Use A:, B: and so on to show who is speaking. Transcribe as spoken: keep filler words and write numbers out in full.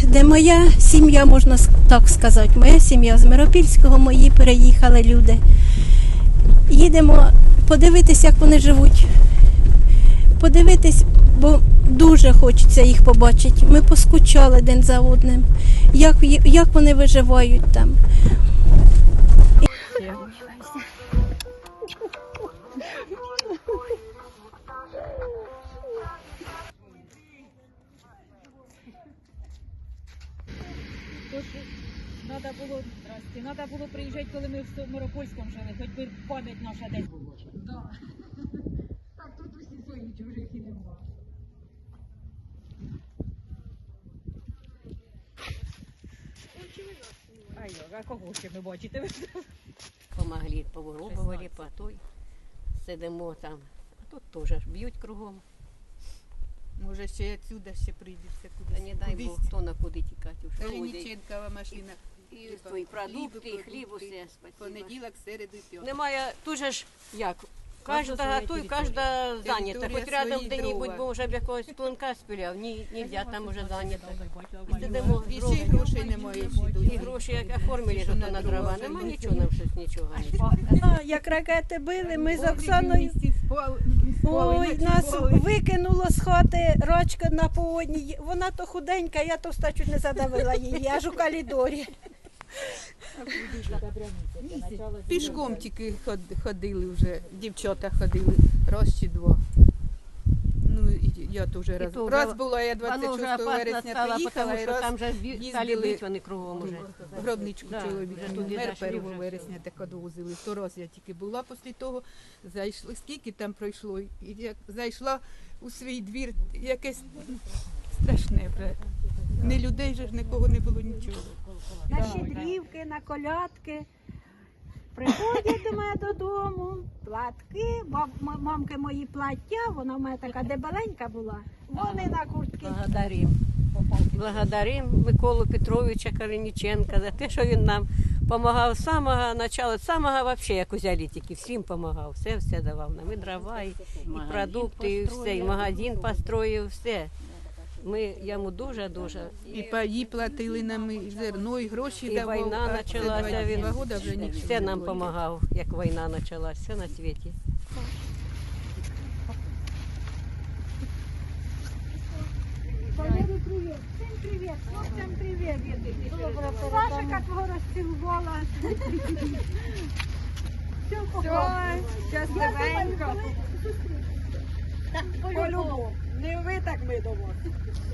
A: їздимо. Моя сім'я, можна так сказати, моя сім'я з Миропільського, мої переїхали люди. Їдемо подивитися, як вони живуть. Подивитись, бо дуже хочеться їх побачити. Ми поскучали один за одним, як, як вони виживають там.
B: Надо було, здрасте, надо було приїжджати, коли ми в Миропольському жили, хоч би пам'ять наша десь була. Да. Так тут усі свої чужих і нема. Ай, а кого ще ви бачите?
C: Помогли, повирубували, по той. Сидимо там. А тут теж б'ють кругом.
D: Може ще отсюда ще прийдеться кудись.
C: Та не дай
D: Кудись.
C: Бог, хто на куди тікати вже.
D: Калініченкова машина.
C: І твої продукти, і хліб, усе. Спасибо.
D: Понеділок, середу, п'ятницю.
C: Немає, дуже ж як. Кожна готує, кожна зайнята. Хоч рядом де-небудь, бо вже б якогось клинка спіляв. Ні, нельзя, там уже зайнято. І сидимо,
D: І ще й грошей немає.
C: і гроші як оформили, що то на дрова. Нема нічого, нам щось нічого.
A: А, як ракети били, ми з Оксаною, ой, нас викинуло з хати рачка на поводні. Вона то худенька, я товста чуть не задавила її, аж у коридорі.
D: Пішком тільки ход- ходили вже, дівчата ходили, раз чи два. Ну, і я теж раз.
C: то
D: Раз
C: вже-
D: була, я
C: Воно вже
D: двадцять шостого
C: опасно
D: вересня
C: стало,
D: приїхала,
C: тому
D: і
C: що
D: раз
C: там вже стали
D: їздили
C: бити вони кругом уже.
D: гробничку
C: Да,
D: чоловіка.
C: вже туди
D: Мер
C: зайшли
D: першого
C: вже
D: вересня так одвозили. Сто раз я тільки була після того, зайшли, скільки там пройшло. І як зайшла у свій двір, якесь страшне вже. Не людей же ж нікого не було нічого.
A: На щедрівки, на колядки. Приходять до мене додому, платки, баб, м- мамки мої плаття, вона в мене така дебеленька була, вони на куртки.
C: Благодарим. Благодарим Миколу Петровича Калиніченка за те, що він нам допомагав з самого початку, з самого вообще, як узяли тільки, всім допомагав, все, все давав нам, і дрова, і, і продукти, і все, і магазин построїв, все. Ми йому дуже-дуже.
D: І паї платили нам, і зерно, і гроші
C: І
D: давав.
C: війна
D: а це
C: почалася,
D: два-
C: він
D: два года вже нічого
C: все
D: не
C: нам
D: було.
C: допомагав, як війна почалася, все на світі.
A: Валерій, привіт, всім привіт, хлопцям привіт. Сашика твого розцілувала. Все,
B: Щасливенько.
A: по-любому.
B: Не ви, так ми до вас.